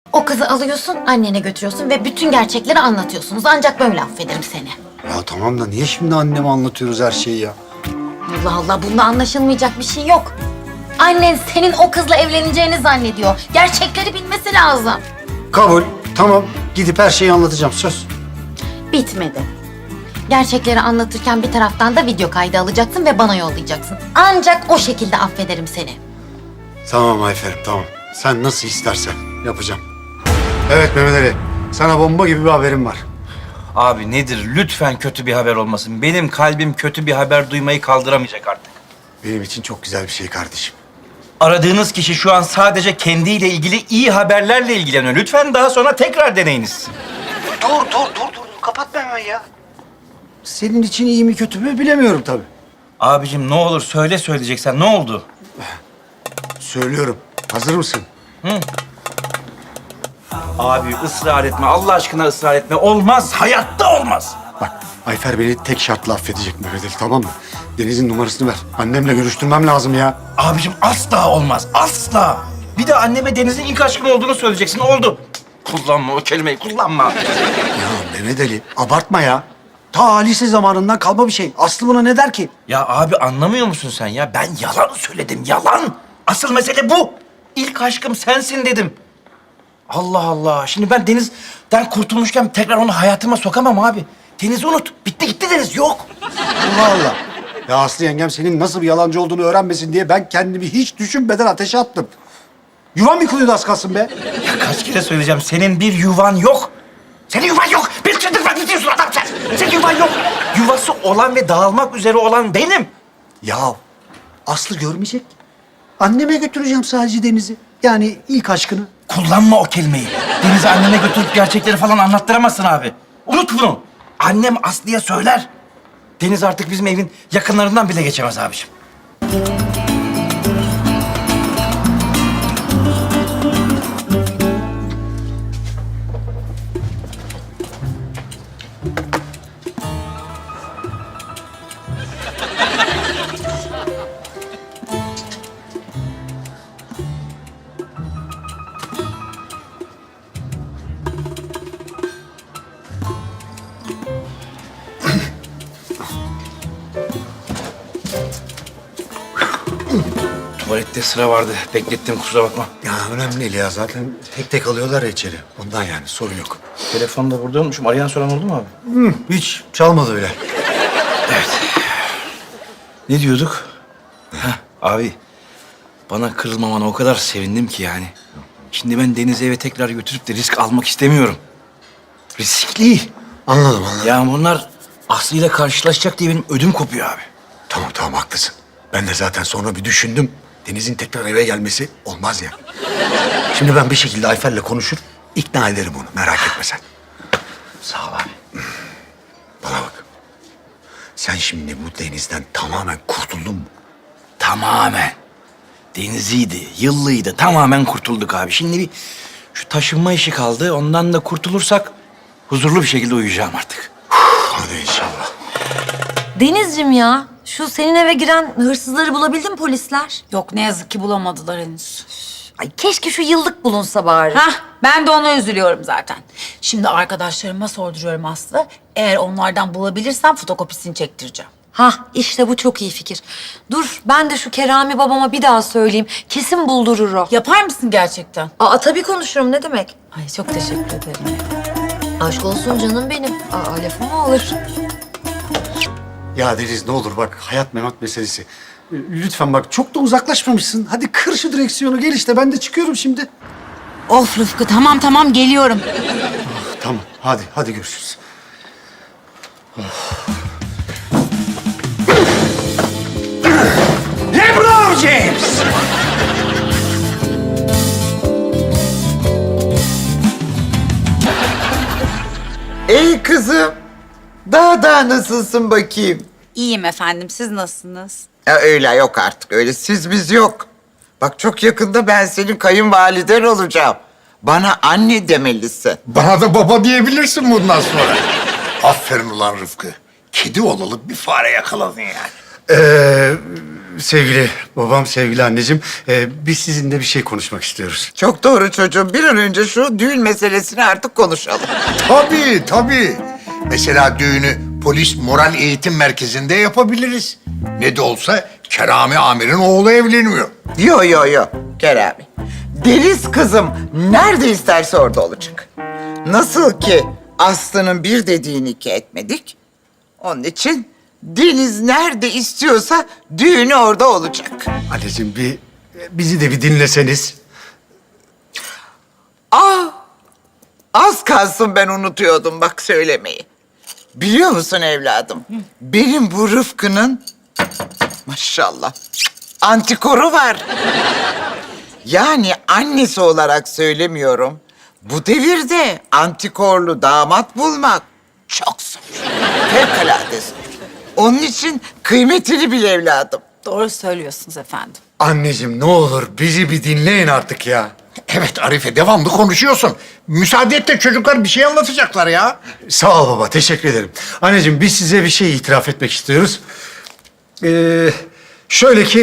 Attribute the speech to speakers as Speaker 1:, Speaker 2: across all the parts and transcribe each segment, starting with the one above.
Speaker 1: O kızı alıyorsun, annene götürüyorsun ve bütün gerçekleri anlatıyorsunuz. Ancak böyle affederim seni.
Speaker 2: Ya tamam da niye şimdi anneme anlatıyoruz her şeyi ya?
Speaker 1: Allah Allah, bunda anlaşılmayacak bir şey yok. Annen senin o kızla evleneceğini zannediyor. Gerçekleri bilmesi lazım.
Speaker 2: Kabul. Tamam. Gidip her şeyi anlatacağım. Söz.
Speaker 1: Bitmedi. Gerçekleri anlatırken bir taraftan da video kaydı alacaksın ve bana yollayacaksın. Ancak o şekilde affederim seni.
Speaker 2: Tamam Ayfer'im tamam. Sen nasıl istersen yapacağım. Evet Mehmet Ali. Sana bomba gibi bir haberim var.
Speaker 3: Abi nedir? Lütfen kötü bir haber olmasın. Benim kalbim kötü bir haber duymayı kaldıramayacak artık.
Speaker 2: Benim için çok güzel bir şey kardeşim.
Speaker 3: Aradığınız kişi şu an sadece kendiyle ilgili iyi haberlerle ilgileniyor. Lütfen daha sonra tekrar deneyiniz.
Speaker 2: Dur. Kapatma hemen ya. Senin için iyi mi kötü mü bilemiyorum tabii.
Speaker 3: Abicim ne olur söyle söyleyeceksen. Ne oldu?
Speaker 2: Söylüyorum. Hazır mısın?
Speaker 3: Abi ısrar etme. Allah aşkına ısrar etme. Olmaz. Hayatta olmaz.
Speaker 2: Bak Ayfer beni tek şartla affedecek Mehmet Ali tamam mı? Deniz'in numarasını ver. Annemle görüştürmem lazım ya.
Speaker 3: Abicim asla olmaz. Asla. Bir de anneme Deniz'in ilk aşkın olduğunu söyleyeceksin. Oldu. Kullanma o kelimeyi. Kullanma.
Speaker 2: Ya Mehmet Ali abartma ya. Ta lise zamanından kalma bir şey. Aslı buna ne der ki?
Speaker 3: Ya abi anlamıyor musun sen ya? Ben yalan söyledim. Yalan. Asıl mesele bu. İlk aşkım sensin dedim. Allah Allah. Şimdi ben Deniz'den kurtulmuşken tekrar onu hayatıma sokamam abi. Deniz'i unut. Bitti gitti Deniz. Yok.
Speaker 2: Allah Allah. Ya Aslı yengem senin nasıl bir yalancı olduğunu öğrenmesin diye ben kendimi hiç düşünmeden ateşe attım. Yuvam yıkılıyordu az kalsın be.
Speaker 3: Ya kaç kere söyleyeceğim. Senin bir yuvan yok. Senin yuvan yok. Bir çıldırmak istiyorsun adam sen. Senin yuvan yok. Yuvası olan ve dağılmak üzere olan benim.
Speaker 2: Ya Aslı görmeyecek. Anneme götüreceğim sadece Deniz'i. Yani ilk aşkını.
Speaker 3: Kullanma o kelimeyi. Deniz'i anneme götürüp gerçekleri falan anlattıramazsın abi. Unut bunu. Annem Aslı'ya söyler. Deniz artık bizim evin yakınlarından bile geçemez abiciğim. Tuvalette sıra vardı. Beklettim kusura bakma.
Speaker 2: Ya önemli değil ya zaten tek tek alıyorlar ya içeri. Ondan yani sorun yok.
Speaker 3: Telefonu da burada unutmuşum. Arayan soran oldu mu abi?
Speaker 2: Hiç çalmadı bile.
Speaker 3: Ne diyorduk? Heh, abi bana kırılmamana o kadar sevindim ki yani. Şimdi ben Deniz'i eve tekrar götürüp de risk almak istemiyorum. Riskli.
Speaker 2: Anladım.
Speaker 3: Ya bunlar Aslı'yla karşılaşacak diye benim ödüm kopuyor abi.
Speaker 2: Tamam haklısın. Ben de zaten sonra bir düşündüm. Deniz'in tekrar eve gelmesi olmaz ya. Şimdi ben bir şekilde Ayfer'le konuşur, ikna ederim onu. Merak etme sen.
Speaker 3: Sağ ol abi.
Speaker 2: Bana bak. Sen şimdi bu Deniz'den tamamen kurtuldun mu?
Speaker 3: Tamamen. Deniziydi, yıllıydı. Tamamen kurtulduk abi. Şimdi bir şu taşınma işi kaldı. Ondan da kurtulursak huzurlu bir şekilde uyuyacağım artık.
Speaker 2: Hadi inşallah.
Speaker 4: Denizciğim ya, şu senin eve giren hırsızları bulabildin mi polisler?
Speaker 5: Yok ne yazık ki bulamadılar henüz.
Speaker 4: Ay keşke şu yıllık bulunsa bari.
Speaker 5: Hah ben de ona üzülüyorum zaten. Şimdi arkadaşlarıma sorduruyorum Aslı. Eğer onlardan bulabilirsem fotokopisini çektireceğim.
Speaker 4: Hah, işte bu çok iyi fikir. Dur, ben de şu Kerami babama bir daha söyleyeyim. Kesin buldurur o.
Speaker 5: Yapar mısın gerçekten?
Speaker 4: Aa tabii konuşurum, ne demek?
Speaker 5: Ay çok teşekkür ederim.
Speaker 4: Aşk olsun canım benim. Aa lafım mı olur?
Speaker 2: Ya Deniz ne olur bak hayat memat meselesi. Lütfen bak çok da uzaklaşmamışsın. Hadi kır şu direksiyonu gel işte ben de çıkıyorum şimdi.
Speaker 5: Of Rıfkı tamam geliyorum.
Speaker 2: Tamam hadi görüşürüz.
Speaker 3: LeBron James!
Speaker 6: Ey kızım, daha nasılsın bakayım?
Speaker 5: İyiyim efendim siz nasılsınız?
Speaker 6: Ya öyle yok artık, öyle siz biz yok. Bak çok yakında ben senin kayınvaliden olacağım. Bana anne demelisin.
Speaker 7: Bana da baba diyebilirsin bundan sonra. Aferin ulan Rıfkı. Kedi olalı bir fare yakaladın yani.
Speaker 2: Sevgili babam, sevgili anneciğim, biz sizinle bir şey konuşmak istiyoruz.
Speaker 6: Çok doğru çocuğum. Bir an önce şu düğün meselesini artık konuşalım.
Speaker 7: Tabii, tabii. Mesela düğünü polis moral eğitim merkezinde yapabiliriz. Ne de olsa Kerami Amir'in oğlu evleniyor.
Speaker 6: Yo yo yo Kerami. Deniz kızım nerede isterse orada olacak. Nasıl ki Aslı'nın bir dediğini iki etmedik. Onun için Deniz nerede istiyorsa düğünü orada olacak.
Speaker 2: Anneciğim bizi de bir dinleseniz.
Speaker 6: Az kalsın ben unutuyordum bak söylemeyi. Biliyor musun evladım? Benim bu Rıfkı'nın maşallah antikoru var. Yani annesi olarak söylemiyorum. Bu devirde antikorlu damat bulmak çok zor. Fevkalade zor. Onun için kıymetini bil evladım.
Speaker 5: Doğru söylüyorsunuz efendim.
Speaker 2: Anneciğim ne olur bizi bir dinleyin artık ya.
Speaker 7: Evet Arife, devamlı konuşuyorsun. Müsaade et de çocuklar bir şey anlatacaklar ya.
Speaker 2: Sağ ol baba, teşekkür ederim. Anneciğim biz size bir şey itiraf etmek istiyoruz. Şöyle ki...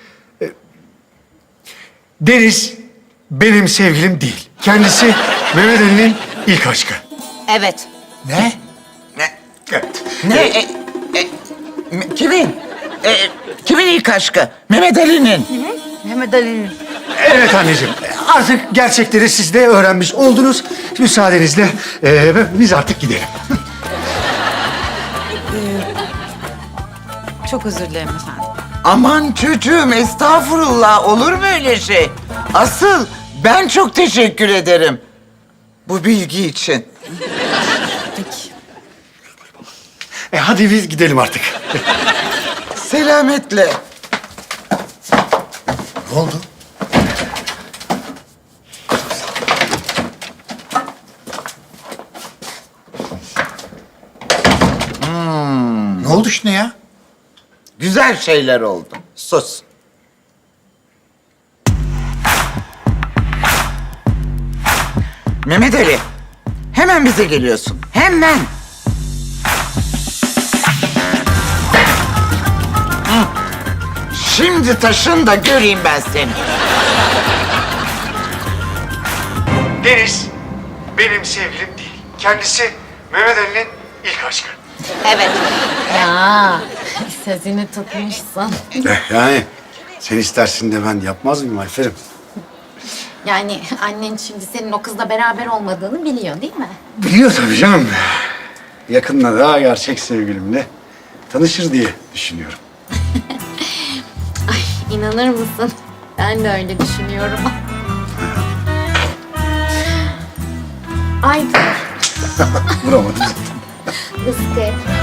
Speaker 2: Deniz benim sevgilim değil. Kendisi Mehmet Ali'nin ilk aşkı.
Speaker 5: Evet.
Speaker 7: Ne?
Speaker 6: Ne?
Speaker 2: Evet.
Speaker 6: Ne? Kimin? Kimin ilk aşkı? Mehmet Ali'nin.
Speaker 5: Mehmet Ali'nin.
Speaker 2: Evet anneciğim. Artık gerçekleri siz de öğrenmiş oldunuz. Müsaadenizle biz artık gidelim.
Speaker 5: Çok özür dilerim efendim.
Speaker 6: Aman çocuğum estağfurullah olur mu öyle şey? Asıl ben çok teşekkür ederim bu bilgi için.
Speaker 5: Peki.
Speaker 2: Hadi biz gidelim artık.
Speaker 6: Selametle.
Speaker 7: Ne oldu? Ne oldu şimdi ya?
Speaker 6: Güzel şeyler oldu. Sus. Mehmet Ali, hemen bize geliyorsun. Hemen. Hı. Şimdi taşın da göreyim ben seni.
Speaker 2: Deniz benim sevgilim değil. Kendisi Mehmet Ali'nin ilk aşkı.
Speaker 5: Evet.
Speaker 1: Ya sözünü tutmuşsun.
Speaker 2: Yani sen istersin de ben yapmaz mıyım Ayfer'im?
Speaker 1: Yani annen şimdi senin o kızla beraber olmadığını biliyor değil mi?
Speaker 2: Biliyor tabii canım. Yakında daha gerçek sevgilimle tanışır diye düşünüyorum.
Speaker 1: Ay inanır mısın? Ben de öyle düşünüyorum. Ay
Speaker 2: Vuramadım.
Speaker 1: Rıfkı.